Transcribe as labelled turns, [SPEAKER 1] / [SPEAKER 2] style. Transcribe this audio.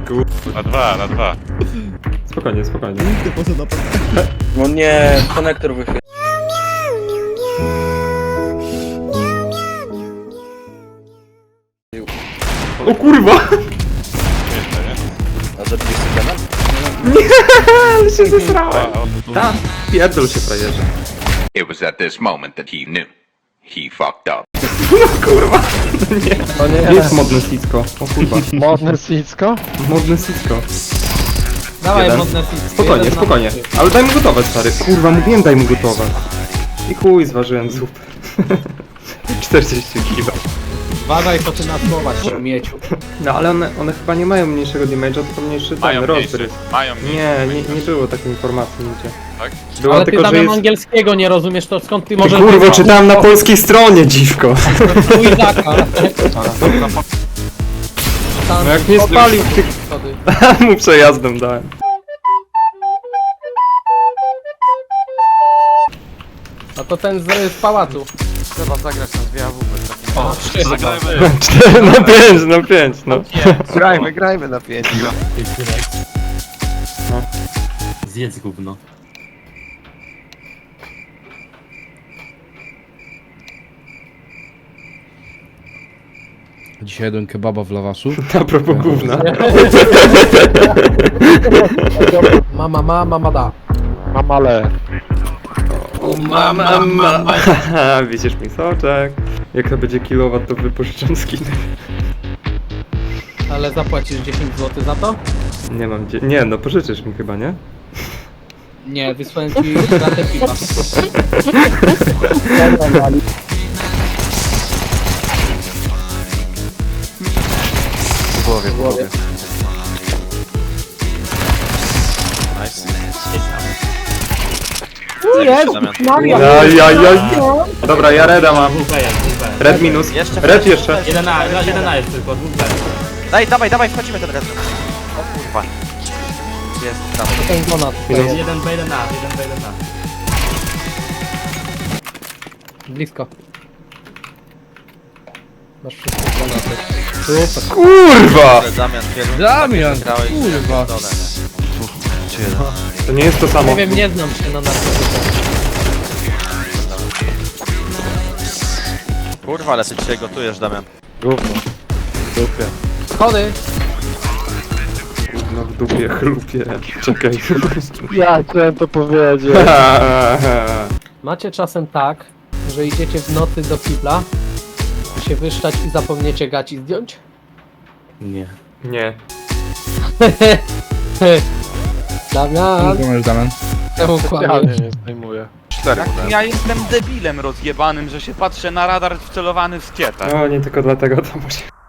[SPEAKER 1] Na dwa, na dwa.
[SPEAKER 2] Spokojnie, spokojnie.
[SPEAKER 3] Ty poszedł na pewno.
[SPEAKER 4] No nie, konektor wychylił.
[SPEAKER 2] O kurwa!
[SPEAKER 1] Jeszcze, nie?
[SPEAKER 4] A zabiliście temat?
[SPEAKER 2] Ale się zesrałem. Tak, pierdol się frajerze.
[SPEAKER 5] It was at this moment that he knew. He fucked up.
[SPEAKER 2] Kurwa.
[SPEAKER 6] To
[SPEAKER 2] Nie jest modne sicko. O kurwa.
[SPEAKER 6] modne sicko?
[SPEAKER 2] Modne sicko.
[SPEAKER 7] Dawaj
[SPEAKER 2] Jeden.
[SPEAKER 7] modne fix.
[SPEAKER 2] Spokojnie,
[SPEAKER 7] Jeden na
[SPEAKER 2] spokojnie.
[SPEAKER 7] mapie.
[SPEAKER 2] Ale daj mu gotować, stary. Kurwa, mówiłem daj mu gotować. I chuj, zważyłem zupę. 40 kg.
[SPEAKER 7] Uważaj, to ty na słowa śmieciu.
[SPEAKER 2] No ale one chyba nie mają mniejszego damage'a, tylko mniejszy
[SPEAKER 1] Mają
[SPEAKER 2] ten rozbryk.
[SPEAKER 1] mniejszy, mają mniejszy.
[SPEAKER 2] Nie było takiej informacji nigdzie.
[SPEAKER 1] Tak?
[SPEAKER 2] Było
[SPEAKER 7] Ale ty
[SPEAKER 2] tylko, że
[SPEAKER 7] Damian
[SPEAKER 2] jest...
[SPEAKER 7] angielskiego nie rozumiesz, to skąd ty
[SPEAKER 2] Ty
[SPEAKER 7] możesz...
[SPEAKER 2] kurwo, czytałem na polskiej stronie, dziwko.
[SPEAKER 7] Izaka.
[SPEAKER 2] No jak nie spalił tych... mu przejazdem dałem.
[SPEAKER 7] A to ten z pałacu.
[SPEAKER 8] Trzeba zagrać na dwie AWP.
[SPEAKER 7] O,
[SPEAKER 1] Zagrajmy.
[SPEAKER 2] 4 na 5, na 5, no.
[SPEAKER 6] Grajmy na 5.
[SPEAKER 8] Zjedz gówno.
[SPEAKER 3] Dzisiaj jadłem kebaba w lawaszu.
[SPEAKER 2] A propos gówna.
[SPEAKER 7] mama da.
[SPEAKER 6] Mamale.
[SPEAKER 2] O mama. Haha, widzisz mi soczek. Jak to będzie kilowat, to wypożyczam skiny.
[SPEAKER 7] Ale zapłacisz 10 zł za to?
[SPEAKER 2] Nie mam gdzie... Nie, no pożyczysz mi chyba, nie?
[SPEAKER 7] Nie, wysłałem ci ratę piwa.
[SPEAKER 6] W głowie, w głowie.
[SPEAKER 2] Jaj. Dobra, ja reda mam. Red minus. Red jeszcze.
[SPEAKER 8] Jeden A jest tylko, dwóch B.
[SPEAKER 4] Dawaj, wchodzimy ten raz. O kurwa. Jest, dawaj.
[SPEAKER 7] Ten ponad.
[SPEAKER 2] Minus.
[SPEAKER 8] Jeden B, jeden A, jeden B, jeden A.
[SPEAKER 7] Blisko. Masz wszystko granaty. Super.
[SPEAKER 2] Kurwa!
[SPEAKER 3] Damian, kurwa.
[SPEAKER 2] To nie jest to samo.
[SPEAKER 7] Nie wiem, nie znam się na narkotykach.
[SPEAKER 4] Kurwa, ale ty dzisiaj gotujesz, Damian.
[SPEAKER 6] Gówno. Dupie.
[SPEAKER 7] Schody!
[SPEAKER 2] No w dupie chlupie. Czekaj.
[SPEAKER 6] Ja chciałem to powiedzieć.
[SPEAKER 7] Macie czasem tak, że idziecie w nocy do kibla, się wyszczać i zapomniecie gaci zdjąć?
[SPEAKER 8] Nie.
[SPEAKER 2] Nie.
[SPEAKER 7] Damian,
[SPEAKER 3] Rozumiesz, Damian?
[SPEAKER 7] czemu
[SPEAKER 6] Ja
[SPEAKER 7] kłamiesz?
[SPEAKER 6] nie zdejmuję. 4
[SPEAKER 1] Ja jestem debilem rozjebanym, że się patrzę na radar wcelowany w skietę.
[SPEAKER 2] No nie tylko dlatego to musi...